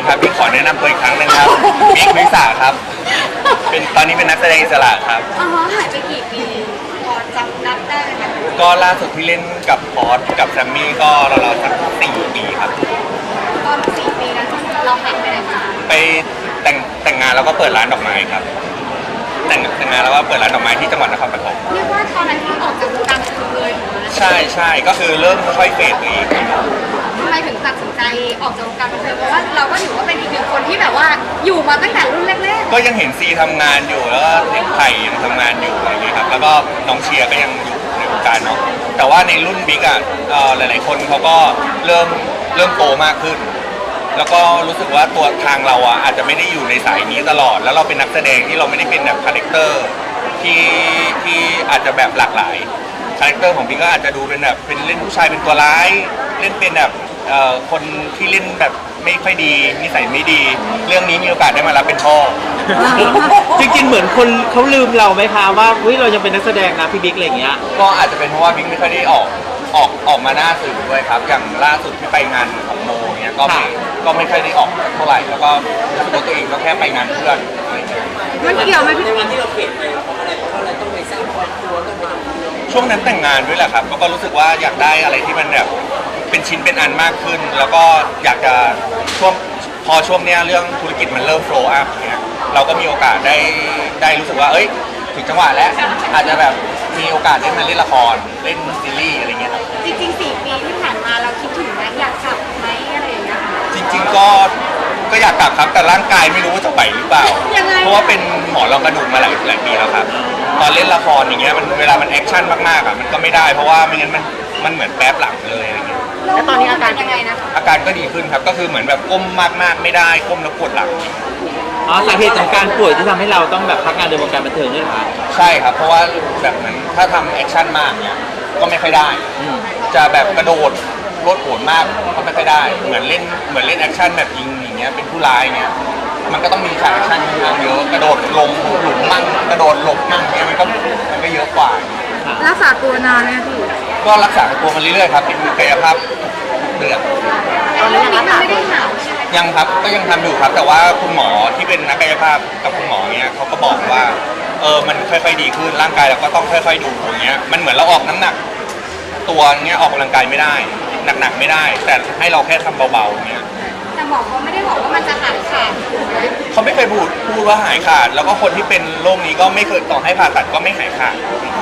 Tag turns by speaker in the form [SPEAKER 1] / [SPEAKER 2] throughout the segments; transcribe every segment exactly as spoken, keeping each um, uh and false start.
[SPEAKER 1] ครับพี่ขอแนะนำตัวอีกครั้งหนึงครับบิ๊กวิสาครับเป็นตอนนี้เป็นนักแสดงอิสระครับ
[SPEAKER 2] อ๋อหายไปกี่ปีพอจำนับได้ไหมคะ
[SPEAKER 1] ก็ล่าสุดที่เล่นกับพอสกับแซมมี่ก็เราๆสักสี่ปีครับ
[SPEAKER 2] ตอนสี่ปีนั้นเราหายไปไหนมา
[SPEAKER 1] ไปแต่งแต่งงานแล้วก็เปิดร้านดอกไม้ครับแต่งแต่งงานแล้วก็เปิดร้านดอกไม้ที่จังหวัดนครปฐม
[SPEAKER 2] เรียกว่าตอนนั้นที่ออกจากวงการบันเทิงเลย
[SPEAKER 1] ใช่ใช่ก็คือเริ่มค่อยเฟดตัวเอง
[SPEAKER 2] ทำไมถึงตัดสินใจออกจากวงการบันเทิงเพราะว่าเราก็ถือว่าเป็นอีกหนึ่งคนที่แบบว่าอยู่มาตั้งแต่รุ่นแรก
[SPEAKER 1] ๆก็ยังเห็นซีทำงานอยู่แล้วก็เห็นไผ่ยังทำงานอยู่อะไรเงี้ยครับแล้วก็น้องเชียร์ก็ยังอยู่ในวงการเนาะแต่ว่าในรุ่นบิ๊กอ่ะหลายๆคนเขาก็เริ่มเริ่มโตมากขึ้นแล้วก็รู้สึกว่าตัวทางเราอ่ะอาจจะไม่ได้อยู่ในสายนี้ตลอดแล้วเราเป็นนักแสดงที่เราไม่ได้เป็นแบบคาแรคเตอร์ที่ที่อาจจะแบบหลากหลายคาแรคเตอร์ของพี่ก็อาจจะดูเป็นแบบเป็นเล่นผู้ชายเป็นตัวร้ายเล่นเป็นแบบเอ่อคนที่เล่นแบบไม่ค่อยดีนิสัยไม่ดีเรื่องนี้มีโอกาสได้มารับเป็นพ่อ
[SPEAKER 3] จริงๆเหมือนคนเขาลืมเราไหมคะว่าเฮ้ยเรายังเป็นนักแสดงนะพี่บิ๊กอะไรอย่างเงี้ย
[SPEAKER 1] ก็อาจจะเป็นเพราะว่าบิ๊กไม่ค่อยได้ออกออกออกมาหน้าสื่อด้วยครับอย่างล่าสุดที่ไปงานของโมเนี้ยก็ไม่ก็ไม่ค่อยได้ออกเท่าไหร่แล้วก็รู้สึกว่าตัวเองก็แค่ไปงานเพื่อนอะไรเงี้ย
[SPEAKER 2] มันเกี่ยวไหมพี่
[SPEAKER 4] ในวันที่เราเปลี่ยนไปเพราะอะไรเพราะอะไรต้องไปสร้างครอบครัวต้องไปทำธุรกิจ
[SPEAKER 1] ช่วงนั้นแต่งงานด้วยแหละครับก็รู้สึกว่าอยากได้อะไรที่มันแบบเป็นชิ้นเป็นอันมากขึ้นแล้วก็อยากจะช่วงพอช่วงเนี้ยเรื่องธุรกิจมันเริ่มโฟล์อัพเนี้ยเราก็มีโอกาสได้ได้รู้สึกว่าเอ้ยถึงจังหวะแล้วอาจจะแบบมีโอกาสได้มาเล่นละครเล่นซีรีส์อะไรเงี้ยครับ
[SPEAKER 2] จริงๆสี่ปีที่ผ่านมาเราคิดถึงไหมอยากกลับไหมอะไรอย่างเงี้ย
[SPEAKER 1] จริงๆก็ก็อยากกลับครับแต่ร่างกายไม่รู้ว่าจะไหวหรือเปล่าเพราะว่าเป็นหมอรองกระดูกมาหลายหลายปีแล้วครับตอนเล่นละครอย่างเงี้ยมันเวลามันแอคชั่นมากๆอ่ะมันก็ไม่ได้เพราะว่าไม่งั้นมันมันเหมือนแป๊บหลังเลยอะไรเงี้ย
[SPEAKER 2] แล้วตอนนี้อาการยังไงนะ
[SPEAKER 1] อาการก็ดีขึ้นครับก็คือเหมือนแบบก้มมากๆไม่ได้ก้มแล้วปวดหลัง
[SPEAKER 3] อ๋อสาเหตุของการป่วยที่ทำให้เราต้องแบบพักงานในวงการบันเทิงนี่เหรอคะ
[SPEAKER 1] ใช่ครับเพราะว่าแบบเหมือนถ้าทำแอคชั่นมากเนี้ยก็ไม่ค่อยได้จะแบบกระโดดโลดโผนมากก็ไม่ค่อยได้เหมือนเล่นเหมือนเล่นแอคชั่นแบบยิงอย่างเงี้ยเป็นผู้ร้ายเงี้ยมันก็ต้องมีฉากแอคชั่นเยอะกระโดดลงหลุมมั่งกระโดดหลบมั่งเงี้ยมันก็มันก็เยอะกว่า
[SPEAKER 2] รักษาตัวนานไหมพี่
[SPEAKER 1] ก็รักษาตัวมันเรื่อยๆครับเป็นกายภาพเดือด
[SPEAKER 2] ตอนนี้ยังไม่ได้หาย
[SPEAKER 1] ยังครับก็ยังทำอยู่ครับแต่ว่าคุณหมอที่เป็นนักกายภาพกับคุณหมอเนี้ยเขาก็บอกว่าเออมันค่อยๆดีขึ้นร่างกายเราก็ต้องค่อยๆดูอย่างเงี้ยมันเหมือนเราออกน้ำหนักตัวเงี้ยออกกำลังกายไม่ได้หนักๆไม่ได้แต่ให้เราแค่ทำเบาๆเงี้ย
[SPEAKER 2] แต่หมอเขาไม่ได้บอกว่ามันจะหายขาด
[SPEAKER 1] เขาไม่เคยพูดพูดว่าหายขาดแล้วก็คนที่เป็นโรคนี้ก็ไม่เคยต่อให้ผ่าตัดก็ไม่หายขาด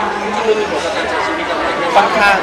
[SPEAKER 1] ค่อนข้าง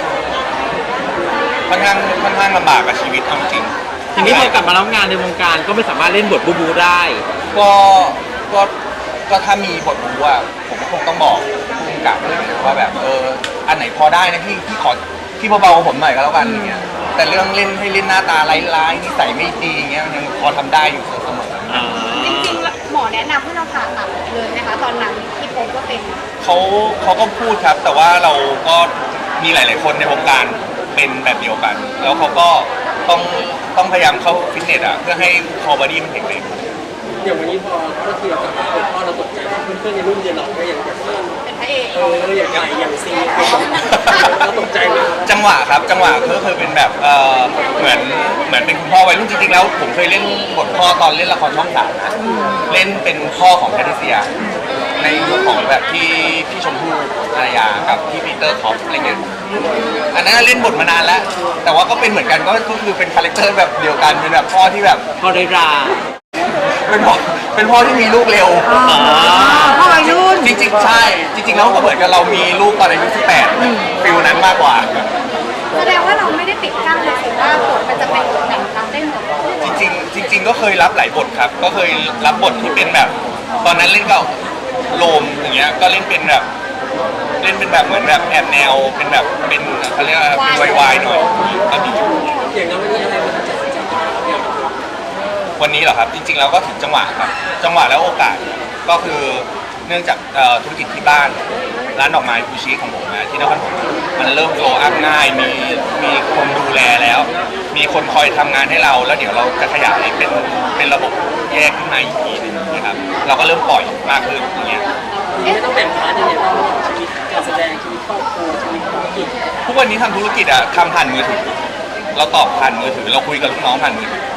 [SPEAKER 1] ค่อนข้างค่อนข้างลำบากกับชีวิตเอาจริง
[SPEAKER 3] ทีนี้พอกลับมารับงานในวงการก็ไม่สามารถเล่นบทบูบูได้
[SPEAKER 1] ก็ก็ก็ถ้ามีบทบูอ่ะผมก็คงต้องบอกผู้กำกับเลยว่าแบบเอออันไหนพอได้นะพี่พี่ขอพี่เบาๆผมหน่อยก็แล้วกันอย่างเงี้ยแต่เรื่องเล่นให้เล่นหน้าตาร้ายๆนิสัยไม่ดีอย่างเงี้ยยังพอทำได้อยู่เสมอ
[SPEAKER 2] จริงๆหมอแนะนำให้เราผ่าตัดเลยนะคะตอนนั้นที่พบว่าเป็น
[SPEAKER 1] เขาเขาก็พูดครับแต่ว่าเราก็มีหลายๆคนในวงการเป็นแบบเดียวกันแล้วเขาก็ต้องต้องพยายามเข้าฟิตเนสอ่ะเพื่อให้คอบอดี้มันแข็งแรง
[SPEAKER 4] อย่างวันนี้พอก็คือเรากลับมาเป็นพ่อเราตกใจเพื่อนๆในรุ่นเดียวเราก็ยังแบบ
[SPEAKER 2] เป็นพระเอก
[SPEAKER 4] เอออย่างใหญ่อย่างซีเราตกใจเลย
[SPEAKER 1] จังหวะครับจังหวะก็คือเป็นแบบเออเหมือนเหมือนเป็นคุณพ่อวัยรุ่นจริงๆแล้วผมเคยเล่นบทพ่อตอนเล่นละครช่องสามนะเล่นเป็นพ่อของแพทริเซียในยุคของแบบที่พี่ชมพู่ภรรยากับพี่ปีเตอร์คอฟอะไรเงี้ยอันนั้นเล่นบทมานานแล้วแต่ว่าก็เป็นเหมือนกันก็คือเป็นคาแรคเตอร์แบบเดียวกันเป็นแบบพ่อที่แบบ
[SPEAKER 3] พ่อได้รา
[SPEAKER 1] เป็นพ่อเป็นพ่อที่มีลูกเร็ว
[SPEAKER 2] พ่อวัยรุ่น
[SPEAKER 1] จริงๆใช่จริงๆแล้วก็เหมือนกับเรามีลูกตอนอายุสิบแปดฟิลนั้นมากกว่า
[SPEAKER 2] แสดงว่าเราไม่ได้ปิดกั้นเลยสิว่าบทมันจะเป็นแบบรับได้หมด
[SPEAKER 1] จริงๆจริงๆก็เคยรับหลายบทครับก็เคยรับบทที่เป็นแบบตอนนั้นเล่นกับโลมอย่างเงี้ยก็เล่นเป็นแบบเล่นเป็นแบบเหมือนแบบแอบแนวเป็นแบบเป็นเขาเรียกว่าเป็นวายๆหน่อยก็มี
[SPEAKER 4] อย่างนั้นวันนี้อะไรมันจะ
[SPEAKER 1] วันนี้เหรอครับจริงๆแล้วก็ถึงจังหวะครับจังหวะแล้วโอกาสก็คือเนื่องจากธุรกิจที่บ้านร้านดอกไม้ฟูชิของผมนะที่นครปฐมมันเริ่มโตอัพง่ายมีมีคนดูแลแล้วมีคนคอยทำงานให้เราแล้วเดี๋ยวเราจะขยายเป็นเป็นระบบแยกขึ้นมาอีกทีนึงนะครับเราก็เริ่มปล่อยมากขึ้นอย่างเงี้ย
[SPEAKER 4] ไม่ต้องแบ่งพาร์ทยังไงบ้างชีวิตการแสดงชีวิตครอบครัวชีวิตธุรกิจ
[SPEAKER 1] ทุกวันนี้ทำธุรกิจอะทำผ่านมือถือเราตอบผ่านมือถือเราคุยกับลูกน้องผ่านมือถือ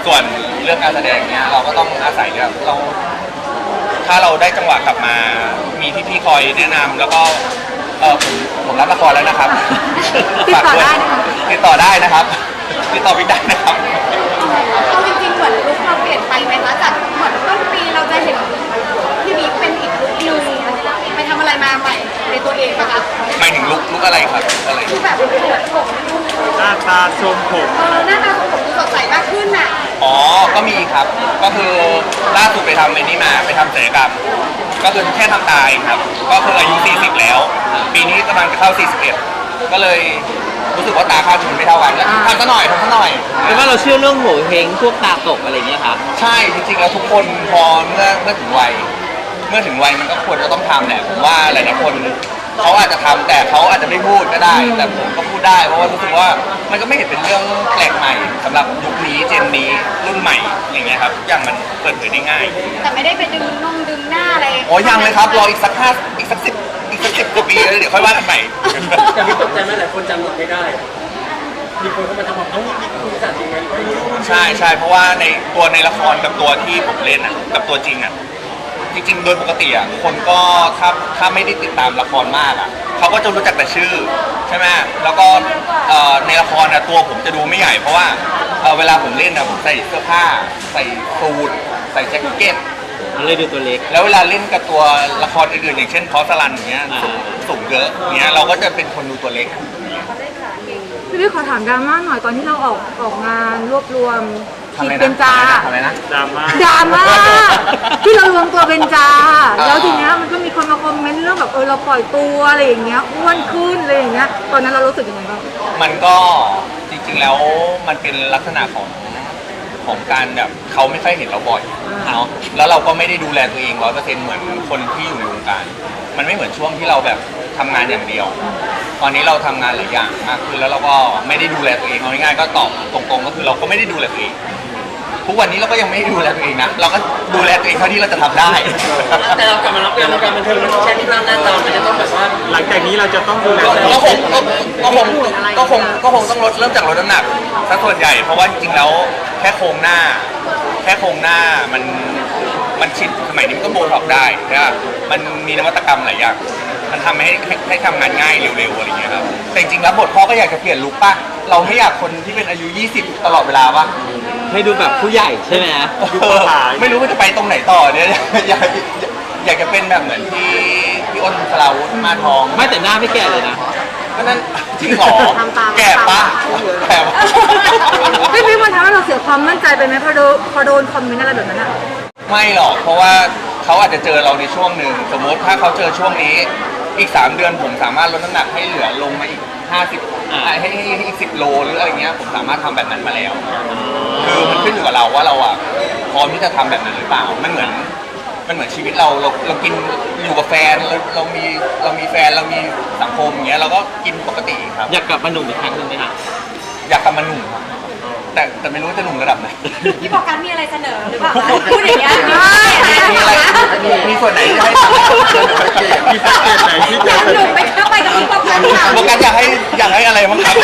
[SPEAKER 1] ส่วนเรื่องการแสดงเนี้ยเราก็ต้องอาศัยแบบเราถ้าเราได้จังหวะกลับมา มีพี่ๆคอยแนะนำแล้วก็เออผมผมรับละครแล้วนะครับ
[SPEAKER 2] ติดต่อได้
[SPEAKER 1] ฝาก
[SPEAKER 2] นะคะ
[SPEAKER 1] ติดต่อได้นะครับ ติดต่อพี่ได้นะครับ
[SPEAKER 2] เอาจริงๆเหมือนลุคเราเปลี่ยนไปไหมคะจากเหมือนต้นปีเราจะเห็นพี่บิ๊กเป็นอีกลุคนึงไปทำอะไรมาใหม่ในตัวเองปะคะ
[SPEAKER 1] หมายถึงลุกลุกอะไรครับอะไร
[SPEAKER 2] คือแบบเหมือนผม
[SPEAKER 3] หน้าตาทรงผม
[SPEAKER 2] เออหน้าตาของผมดูสดใสมากขึ้นน่ะ
[SPEAKER 1] อ๋อ ก็มีครับ ก็คือล่าสุดไปทำไอ้นี่มาไปทำศัลยกรรม ก็คือแค่ทำตาเองครับ ก็คืออายุ สี่สิบ แล้ว ปีนี้กำลังจะเข้า สี่สิบเอ็ด ก็เลยรู้สึกว่าตาข้างมันไม่เท่ากันแล้วทำซะหน่อยทำซะหน่อย
[SPEAKER 3] หรือว่าเราเชื่อเรื่องโหเฮงพวกตาตกอะไรอย่างเงี้ยค่ะ
[SPEAKER 1] ใช่ จริงๆ แล้วทุกคนพอเมื่อเมื่อถึงวัย เมื่อถึงวัยมันก็ควรจะต้องทำแหละ ผมว่าหลายๆคนเขาอาจจะทำแต่เขาอาจจะไม่พูดก็ได้ แต่ผมก็พูดได้เพราะว่ารู้สึกว่ามันก็ไม่เห็นเป็นเรื่องแปลกใหม่สำหรับยุคนี้เจนนี้รุ่นใหม่อย่างเงี้ยครับทุกอย่างมันเปิดเผยได้ง่าย
[SPEAKER 2] แต่ไม่ได้ไปดึงนงดึงหน้าอะไร
[SPEAKER 1] โอ้ยังเลยครับรออีกสักห้าอีกสักสิบอีกสักสิบกว่าปีแล้วเดี๋ยวค่อยว่ากันใหม่
[SPEAKER 4] แต่พี่ตกใจไหมหลายคนจำหนดไม่ได้ มีคนเข้ามาทำแบบเอ้านี่คุณจัดยังไงไม่รู้
[SPEAKER 1] ใช่ใช่เพราะว่าในตัวในละครกับตัวที่ผมเล่นอ่ะกับตัวจริงอ่ะจริงๆโดยปกติอ่ะคนก็ถ้าถ้าไม่ได้ติดตามละครมากอ่ะเขาก็จะรู้จักแต่ชื่อใช่ไหมแล้วก็เอ่อในละครอ่ะตัวผมจะดูไม่ใหญ่เพราะว่าเอ่อเวลาผมเล่นอ่ะผมใส่เสื้อผ้า ใส่สูทใส่แจ็คเก็ต
[SPEAKER 3] มันเลยดูตัวเล็ก
[SPEAKER 1] แล้วเวลาเล่นกับตัวละครอื่นๆอย่างเช่นพอสลันอย่างเงี้ยสูงสูงเยอะอย่างเงี้ยเราก็จะเป็นคนดูตัวเล็ก
[SPEAKER 5] พี่พี่ขอถามดราม่าหน่อยตอนที่เราออกออกงานรวบรวม
[SPEAKER 1] ทำอะไร
[SPEAKER 5] ทีมเป็น
[SPEAKER 1] นะ
[SPEAKER 5] จา
[SPEAKER 1] ทำอะไรนะ
[SPEAKER 3] ดราม่า
[SPEAKER 5] ดราม่าที่เรารวมตัวเป็นจา
[SPEAKER 1] อ่า
[SPEAKER 5] แล้วทีเนี้ยมันก็มีคนมาคอมเมนต์เรื่องแบบเออเราปล่อยตัวอะไรอย่างเงี้ยอ้วนขึ้นอะไรอย่างเงี้ยตอนนั้นเรารู้สึกยังไงบ้าง
[SPEAKER 1] มันก็จริงๆแล้วมันเป็นลักษณะของของการแบบเขาไม่ค่อยเห็นเราบ่อยเนาะแล้วเราก็ไม่ได้ดูแลตัวเองร้อยเปอร์เซ็นต์เหมือนคนที่อยู่ในวงการ มันไม่เหมือนช่วงที่เราแบบทำงานอย่างเดียว ตอนนี้เราทำงานหลายอย่างมากขึ้นแล้วเราก็ไม่ได้ดูแลตัวเองเอาง่ายๆก็ตอบตรงๆก็คือเราก็ไม่ได้ดูแลตัวเองทุกวันนี้เราก็ยังไม่ได้ดูแลตัวเองนะเราก็ดูแลตัวเองเท่าที่เราจะทำได้
[SPEAKER 4] แต่เรากลับมารับงานวงการบันเทิงมันไม่ใช่ที่นั่งหน้าตามันจะต้องแบบว่า
[SPEAKER 3] หลังจากนี้เราจะต้องดูแล
[SPEAKER 1] ก็
[SPEAKER 3] ตัวเอ
[SPEAKER 1] ก็
[SPEAKER 3] ง
[SPEAKER 1] คงก็ก็คงก็คงก็คงต้องลดเริ่มจากลดน้ำหนักซะส่วนใหญ่เพราะว่าจริงๆแล้วแค่โครงหน้า แค่โครงหน้ามันมันฉีดสมัยนี้มันก็โบท็อกซ์ได้นะมันมีนวัตกรรมหลายอย่างมันทำให้ให้ให้ทำงานง่ายเร็วๆอะไรอย่างเงี้ยครับแต่จริงๆแล้วบทพ่อก็อยากจะเปลี่ยนลุคป่ะเราไม่อยากคนที่เป็นอายุ ยี่สิบ ตลอดเวลาป่ะ
[SPEAKER 3] ให้ดูแบบผู้ใหญ่ใช่ไหม
[SPEAKER 1] เออไม่รู้ว่าจะไปตรงไหนต่อเนี่ย อยากอยากจะเป็นแบบเหมือนที่พี่อ้นสลาวุธมาทอง
[SPEAKER 3] ไม่แต่หน้าไม่แก่เลยนะ
[SPEAKER 1] ก็นั่นจริงเหรอ
[SPEAKER 5] ทำตาม
[SPEAKER 1] แก่ปะแก่ปะ
[SPEAKER 5] พี่พี่มันทำให้เราเสียความมั่นใจไปไหมพอโดนพอโดนคอมเมนต์อะไรแบบนั้นอะ
[SPEAKER 1] ไม่หรอกเพราะว่าเขาอาจจะเจอเราในช่วงหนึ่งสมมติถ้าเขาเจอช่วงนี้อีกสามเดือนผมสามารถลดน้ำหนักให้เหลือลงมาอีกห้าสิบ
[SPEAKER 3] อ่า
[SPEAKER 1] ให้ให้ให้อีกสิบโลหรืออะไรเงี้ยผมสามารถทำแบบนั้นมาแล้ว คือมันขึ้นอยู่กับเราว่าเราอ่ะพร้อมที่จะทำแบบนั้นหรือเปล่ามันเหมือนมันเหมือนชีวิตเราเราเรากินอยู่กับแฟนเราเรามีเรามีแฟนเรามีสังคมอย่างเงี้ยเราก็กินปกติครับ
[SPEAKER 3] อยากกลับมาหนุ่มอีกครั้งหนึ่งไหมคะ
[SPEAKER 1] อยากกลับมาหนุ่มครับแต่แต่ไม่รู้ว่าจะหนุ่มระดับไหน
[SPEAKER 2] พี่บอกกันมีอะไรเสนอหรือเปล่าคะพูดอย่างเงี้ย
[SPEAKER 1] มีอะไรมีมีส่วนไหนที่ให้ทำ
[SPEAKER 3] มีแพ็กเกจไหนที่
[SPEAKER 2] อ
[SPEAKER 3] จะ
[SPEAKER 2] ยากหนุ่มไปเข้าไปกับพี่บอกกันค่ะ
[SPEAKER 1] โฟกัสอยากให้อยากให้อะไรบ้างครับ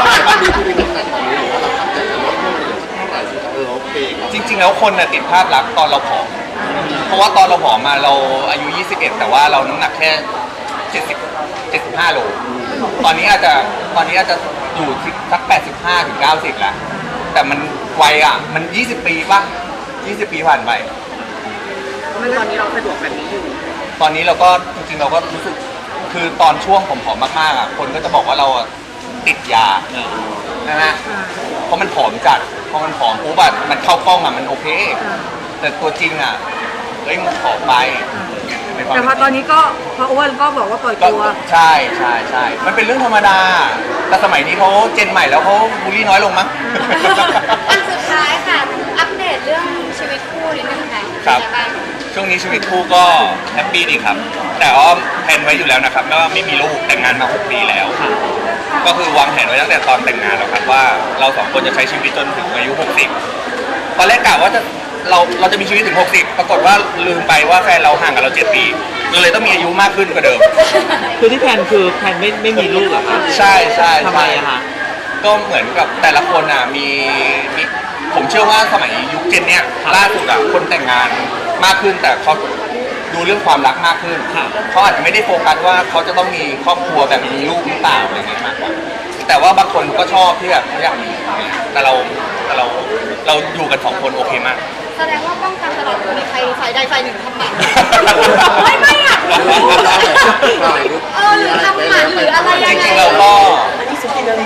[SPEAKER 1] จริงๆแล้วคนน่ะติดภาพลักษณ์ตอนเราผอม เพราะว่าตอนเราผอมมาเราอายุ ยี่สิบเอ็ด แต่ว่าเราน้ำหนักแค่ เจ็ดสิบ เจ็ดสิบห้า โล ตอนนี้อาจจะตอนนี้อาจจะอยู่ที่สัก แปดสิบห้าถึงเก้าสิบ แล้ว แต่มันวัยอ่ะ มัน ยี่สิบ ปีป่ะ ยี่สิบ ปีผ่านไป
[SPEAKER 4] ตอนนี้เราสะดวกแบบนี้อยู่
[SPEAKER 1] ตอนนี้เราก็จริงๆเราก็รู้สึกคือตอนช่วงผมผอมมากๆอ่ะคนก็จะบอกว่าเราอ่ะติดยานะฮะเพราะมันผอมจัดพอมันผอมปุ๊บอะมันเข้ากล้องอ่ะมันโอเค แต่ตัวจริงอ่ะเฮ้ยมันผอมไปในความ
[SPEAKER 5] แต่พอตอนนี้ก็พออ้วนก็บอกว่าปล่อย
[SPEAKER 1] ก็
[SPEAKER 5] ตัว
[SPEAKER 1] ใช่ใช่ใช่มันเป็นเรื่องธรรมดา แต่สมัยนี้เขาเจนใหม่แล้วเขาบูลลี่น้อยลงมั้ง
[SPEAKER 2] อันสุดท้ายค่ะ อัปเดตเรื่องชีวิตคู่นิดนึงค่ะ
[SPEAKER 1] ครับ
[SPEAKER 2] เป็นไงาง
[SPEAKER 1] ช่วงนี้ชีวิตคู่ก็แฮปปี้ดีครับ แต่ว่าแผนไว้อยู่แล้วนะครับว่าไม่มีลูกแต่งงานมาหกปีแล้ว ก็คือวางแผนไว้ตั้งแต่ตอนแต่งงานแล้วครับว่าเราสองคนจะใช้ชีวิตจนถึงอายุหกสิบตอนแรกกะว่าจะเราเราจะมีชีวิตถึงหกสิบปรากฏว่าลืมไปว่าแฟนเราห่างกับเราเจ็ดปีเราเลยต้องมีอายุมากขึ้นกว่าเดิม
[SPEAKER 3] คือที่แพลนคือแพลนไม่ไม่มีลูกเหรอคะ
[SPEAKER 1] ใช่ใช่
[SPEAKER 3] ทำไม
[SPEAKER 1] ใช่
[SPEAKER 3] อะคะ
[SPEAKER 1] ก็เหมือนกับแต่ละคนอ่ะมีมีผมเชื่อว่าสมัยยุคเจนเนี้ยล่าสุดอะคนแต่งงานมากขึ้นแต่เขาดูเรื่องความรักมากขึ้น
[SPEAKER 3] ครับ
[SPEAKER 1] เขาอาจจะไม่ได้โฟกัสว่าเขาจะต้องมีครอบครัวแบบมีลูกหรือเปล่าอะไรเงี้ยมากกว่าแต่ว่าบางคนก็ชอบที่แบบเขาอยากมีแต่เราแต่เราเราอยู่กันสองคนโอเคมาก
[SPEAKER 2] แสดงว่าป้องกันตลอดคือมีใครฝ่ายใดฝ่ายหนึ่งทำหมันไม่ไม่อยากรู้เออหรือทำหมันหรืออะไร
[SPEAKER 1] จ
[SPEAKER 2] ยังไง
[SPEAKER 1] ริงๆเราก็
[SPEAKER 4] ที่สุดที่นารี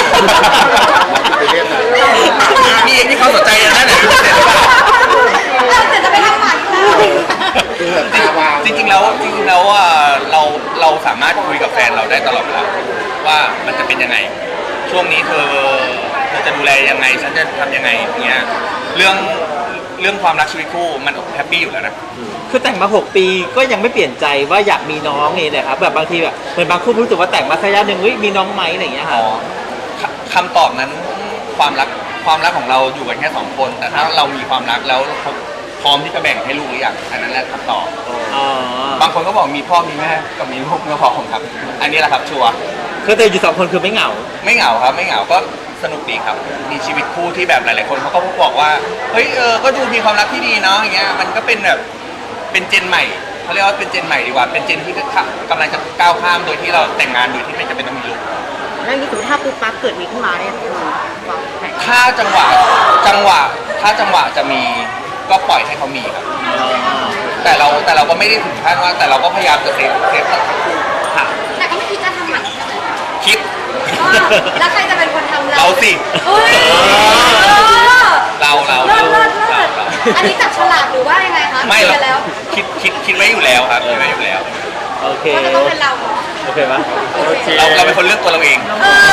[SPEAKER 1] นี่ที่เขาสนใจนะนั่นแหละเสร็จหรือเปล่า
[SPEAKER 2] เออแต่จะไปทำหมันค่ะ
[SPEAKER 1] จริงๆแล้วจริงๆแล้วอ่ะเราเราสามารถคุยกับแฟนเราได้ตลอดเวลาว่ามันจะเป็นยังไง ช่วงนี้เธอเธอจะดูแลยังไงฉันจะทำยังไงอย่างเงี้ยเรื่องเรื่องความรักชีวิตคู่มันแฮปปี้อยู่แล้วนะ
[SPEAKER 3] คือแต่งมาหกปีก็ยังไม่เปลี่ยนใจว่าอยากมีน้องนี่เลยครับแบบบางทีแบบเหมือนบางคู่รู้สึกว่าแต่งมาสักระยะหนึ่งเฮ้ยมีน้องไหมอะไรอย่างเงี้ย
[SPEAKER 1] อ๋
[SPEAKER 3] ค่ะ
[SPEAKER 1] อคำตอบนั้นความรักความรักของเราอยู่กันแค่สองคน แต่ถ้าเรามีความรักแล้วพร้อมที่จะแบ่งให้ลูกหรือยังอันนั้นแหละคำตอบ
[SPEAKER 3] อ๋อบ
[SPEAKER 1] างคนก็บอกมีพ่อมีแม่กับมีลูกก็พอผมครับ อันนี้แหละครับชัวร์
[SPEAKER 3] คือแต่อยู่สองคนคือไม่เหงา
[SPEAKER 1] ไม่เหงาครับไม่เหงาก็สนุกดีครับ มีชีวิตคู่ที่แบบหลายๆคนเขาก็บอกว่าเฮ้ยเออก็ดูมีความรักที่ดีเนาะอย่างเงี้ยมันก็เป็นแบบเป็นเจนใหม่เขาเรียกว่าเป็นเจนใหม่ดีกว่าเป็นเจนที่กำลังจะก้าวข้ามโดยที่เราแต่งงานโดยที่ไม่จำเป็นต้องมีลูก
[SPEAKER 5] แล้วนี่ถือถ้าปุ๊บปั๊บเกิดมีขึ้นมาเนี่ย
[SPEAKER 1] ถ้าจังหวะจังหวะถ้าจังหวะจะมีก็ปล่อยให้เขามีครับแต่เราแต่เราก็ไม่ได้ถึงขั้นว่าแต่เราก็พยายามจะเซฟเซฟทั้งคู่
[SPEAKER 3] ค่ะ
[SPEAKER 2] แต่ก็ไม่คิดจะทำหมันใช่ไหม
[SPEAKER 1] คิด
[SPEAKER 2] แล้วใครจะเป็นคนทำเรา
[SPEAKER 1] เราสิ
[SPEAKER 2] เฮ้ย
[SPEAKER 1] เราเรา
[SPEAKER 2] เลิศเลิศเลิ
[SPEAKER 1] เรา
[SPEAKER 2] ศ
[SPEAKER 1] เรา
[SPEAKER 2] อันนี้จับฉลากหรือว่ายังไงคะ
[SPEAKER 1] ไม่
[SPEAKER 2] เค
[SPEAKER 1] หร
[SPEAKER 2] ลี
[SPEAKER 1] อย ก
[SPEAKER 2] ร์แล้ว
[SPEAKER 1] คิดคิดคิดไว้อยู่แล้วครับคิดไว้อยู่แล้ว
[SPEAKER 3] โอเค
[SPEAKER 2] ว่าจะต้องเป็นเราเนาะ
[SPEAKER 3] โอเคปะ
[SPEAKER 4] โอเค
[SPEAKER 1] เราเราเป็นคนเลือกตัวเราเอง
[SPEAKER 2] เออ